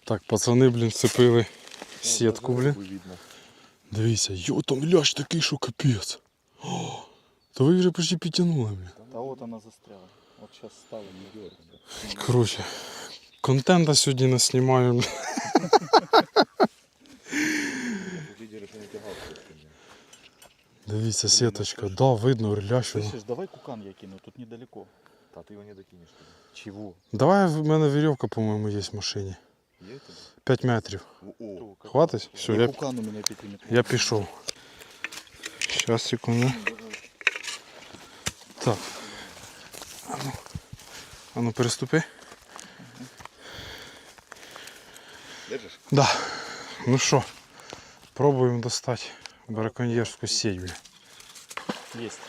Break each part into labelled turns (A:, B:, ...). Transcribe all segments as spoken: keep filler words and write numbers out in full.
A: Так, пацани, блін, вцепили сітку, блін. Дивіться, йо, там лящ такий, що капець. О, то ви вже почти підтягнули, блін.
B: Та от вона застряла. От зараз ставимо на дьорку.
A: Коротше, контента сьогодні наснімаю. Дивіться, сіточка, да, видно, лящ.
B: Слышиш, давай кукан я кину, тут недалеко.
C: Та ти його не докинеш.
B: Чего?
A: Давай, в мене вірьовка, по-моєму, є в машині.
C: Є у тебе?
A: п'ять метрів.
C: О,
A: Хватить? Все, я,
B: Кукан у мене п'яти метрів.
A: я пішов. Щас, секунду. Так. А ну, а ну переступи.
C: держиш?
A: Да. Ну що, пробуємо достати браконьєрську сеть, бля.
B: Есть.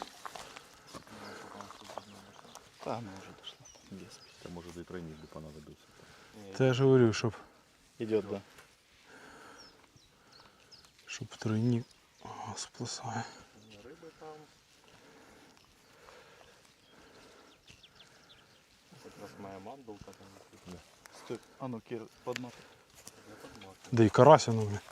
B: Та, она уже дошла. Без.
C: Та може і тройник би понадобився.
A: Та я ж говорю, щоб,
B: Идет, да.
A: щоб тройник ага, сплесає.
C: Риби там. Якраз моя мандулка там.
B: Стой. А ну, Кир, подматай.
A: Да і карася, ну, бля.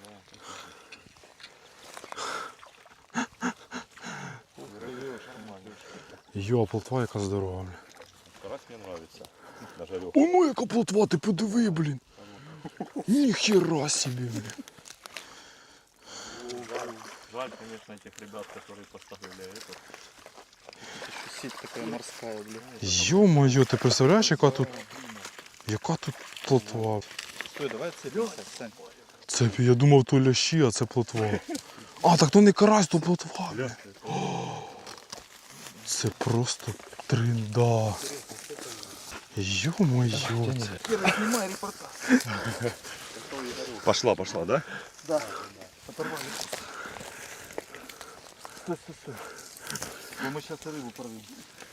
A: Йо, плотва яка здорова, бля.
C: Карась мені подобається. На жарьох.
A: О, ну яка плотва, ти подиви, блін. Ніхера собі, бля.
C: Жаль, конечно, этих ребят, которые поставили это.
B: Сеть такая морская, блин.
A: Йо-моє, ти представляєш, яка тут, яка тут плотва?
B: Стой, давай целься, Сань.
A: Це, я думав, то лящі, а це плотва. А, так то не карась, то плотва. бля. О, це просто тринда. Йо-моє.
B: Кира, снимай репортаж.
C: Пошла, пошла, да?
B: Да. Оторвали. Стой, стой, стой. Ну, мы сейчас рыбу порвем.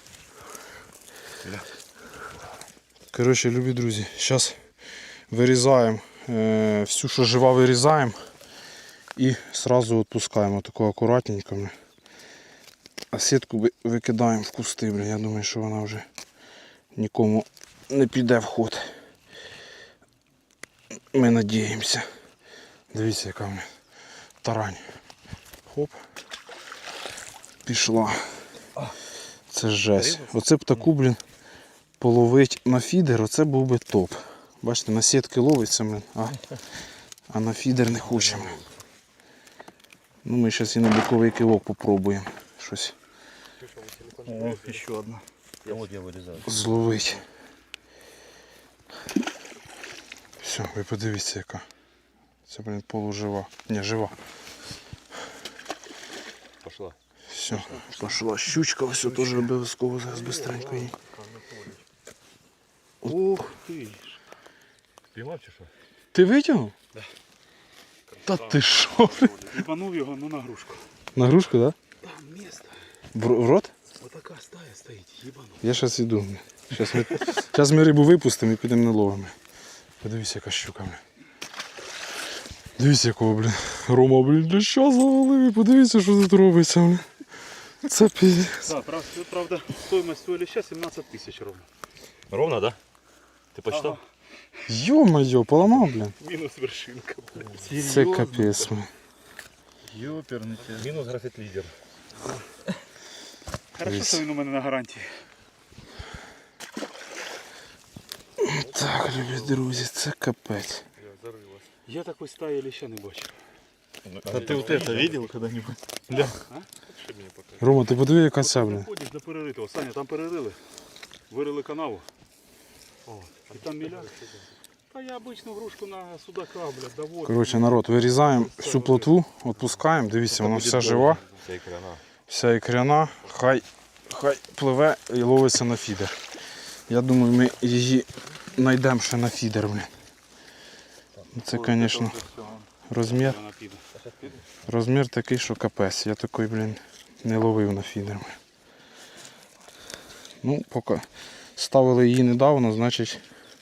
A: Коротше, любі друзі, зараз вирізаємо, е, всю, що жива, вирізаємо і одразу відпускаємо тако акуратненько. А сітку ви- викидаємо в кусти, блін. Я думаю, що вона вже нікому не піде в ход. Ми надіємося. Дивіться, яка в мене тарань. Хоп. Пішла. Це жесть. Оце б таку, блін, половить на фідер, оце був би топ. Бачите, на сітки ловиться, блін, а, а на фідер не хочемо. Ну, ми зараз і на боковий кивок попробуємо щось
B: О, еще одна.
C: Я вот я вырезаю.
A: зловити. Все, ви подивіться, яка. Це, блін, полужива. Ні, жива.
C: Пошла.
A: Все, пошла щучка, все теж обов'язково зараз бистренько її.
B: Ух ты.
C: Піймав чи що?
A: Ти витягнув? Да. Та ти що?
B: Ебанув його, ну на грушку.
A: На грушку, так? Да?
B: Там место.
A: В, в рот?
B: Вот такая стая стоит, ебанув.
A: Я зараз йду. Зараз ми, зараз ми рибу випустимо і підемо наловимо. Подивіться, яка щука. Бля. Дивіться, якого, блін. Рома, блін, для що завалив? Подивіться, що тут робиться, блін. Це піздець.
B: Да, правда, правда, стоимость стоили сейчас семнадцать тысяч ровно.
C: Ровно, да? Ти почитав?
B: Ага.
A: Йо-моє, поламав, блін.
B: Минус вершинка.
A: Це капець, блін.
B: Ёперный тебя.
C: Мінус графіт лідер.
B: Хорошо, що він у мене на гарантії.
A: Так, любі друзі, це капець.
B: Я такой стаи леща не бачив.
C: А ты вот это видел когда-нибудь? Да.
A: Рома, ти подиви, яка ця, блін.
B: Ходиш до переритого. Саня, там перерили. Вирили канаву. О, і там міля. Та я обичну грушку на судака, блядь, доводив.
A: Коротше, народ, вирізаємо всю плотву, відпускаємо. Дивіться, вона вся жива.
C: Вся ікряна.
A: Вся ікряна, хай, хай пливе і ловиться на фідер. Я думаю, ми її знайдемо ще на фідер, блін. Це, звісно, розмір. Розмір такий, що капець. Я такий, блін, не ловив на фідер. Ну, поки ставили її недавно, значить,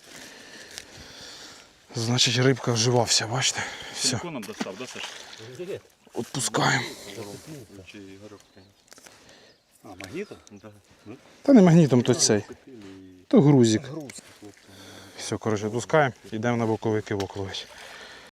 A: значить рибка вживався, бачите? Все,
B: Телефоном достав, да, Саш?
A: відпускаємо.
B: А, магнітом?
C: Да.
A: Та не магнітом, то цей.
C: Цепили и
A: То грузик.
D: Груз.
A: Все, коротше, пускаємо, йдемо на боковий кивок ловити.